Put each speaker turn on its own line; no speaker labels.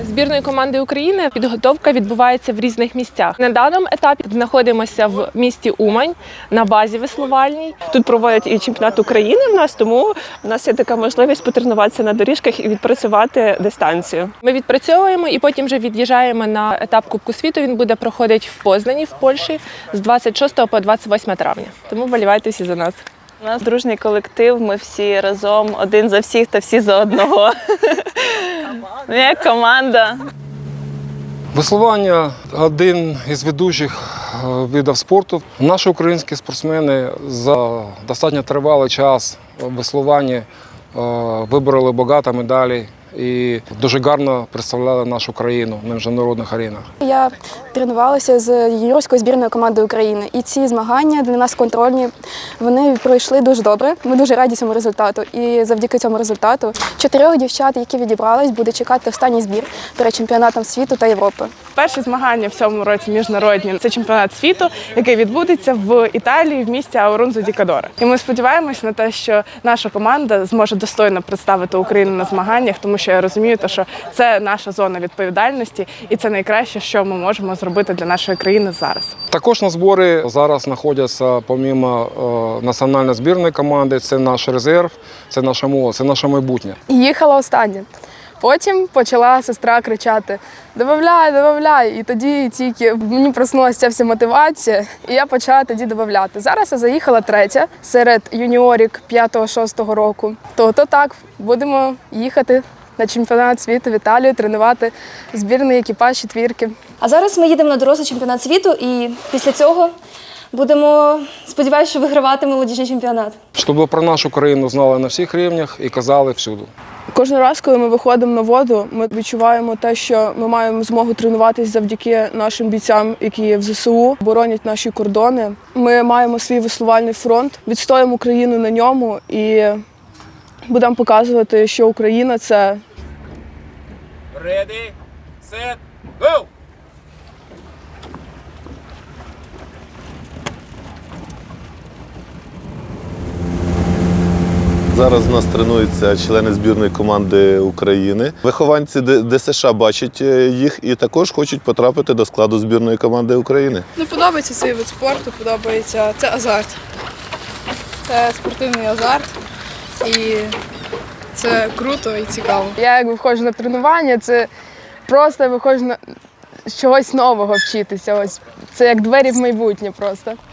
збірної команди України підготовка відбувається в різних місцях. На даному етапі знаходимося в місті Умань на базі веслувальній.
Тут проводять і чемпіонат України в нас, тому в нас є така можливість потренуватися на доріжках і відпрацювати дистанцію.
Ми відпрацьовуємо і потім вже від'їжджаємо на етап Кубку світу. Він буде проходити в Познані, в Польщі, з 26 по 28 травня. Тому вболівайте всі за нас.
У нас дружній колектив, ми всі разом, один за всіх та всі за одного. Ми як команда.
Веслування – один із ведучих видів спорту. Наші українські спортсмени за достатньо тривалий час в веслуванні вибороли багато медалей і дуже гарно представляли нашу країну на міжнародних аренах.
Я тренувалася з юніорською збірною командою України. І ці змагання для нас контрольні, вони пройшли дуже добре. Ми дуже раді цьому результату. І завдяки цьому результату 4 дівчат, які відібрались, буде чекати останній збір перед чемпіонатом світу та Європи.
Перші змагання в цьому році міжнародні – це чемпіонат світу, який відбудеться в Італії в місті Аурунзо-ді-Кадоре. І ми сподіваємось на те, що наша команда зможе достойно представити Україну на змаганнях, тому що я розумію, що це наша зона відповідальності і це найкраще, що ми можемо зробити для нашої країни зараз.
Також на зборі зараз знаходяться, помимо національної збірної команди, це наш резерв, це наша молодь, це наше майбутнє.
Їхала остання. Потім почала сестра кричати «Добавляй, добавляй!» І тоді тільки мені проснулася ця вся мотивація, і я почала тоді додавати. Зараз я заїхала третя серед юніорік 5-6 року. То так, будемо їхати на чемпіонат світу в Італію, тренувати збірний екіпаж четвірки.
А зараз ми їдемо на дорослий чемпіонат світу і після цього будемо, сподіваюся, що вигравати молодіжний чемпіонат.
Щоб про нашу країну знали на всіх рівнях і казали всюди.
Кожен раз, коли ми виходимо на воду, ми відчуваємо те, що ми маємо змогу тренуватися завдяки нашим бійцям, які є в ЗСУ, боронять наші кордони. Ми маємо свій веслувальний фронт, відстоїмо Україну на ньому і будемо показувати, що Україна – це…
Ready, set, go!
Зараз у нас тренуються члени збірної команди України. Вихованці ДСШ бачать їх і також хочуть потрапити до складу збірної команди України.
Подобається цей вид спорту, подобається. Це азарт. Це спортивний азарт і це круто і цікаво. Я як виходжу на тренування, це просто виходжу на чогось нового вчитися. Ось це як двері в майбутнє просто.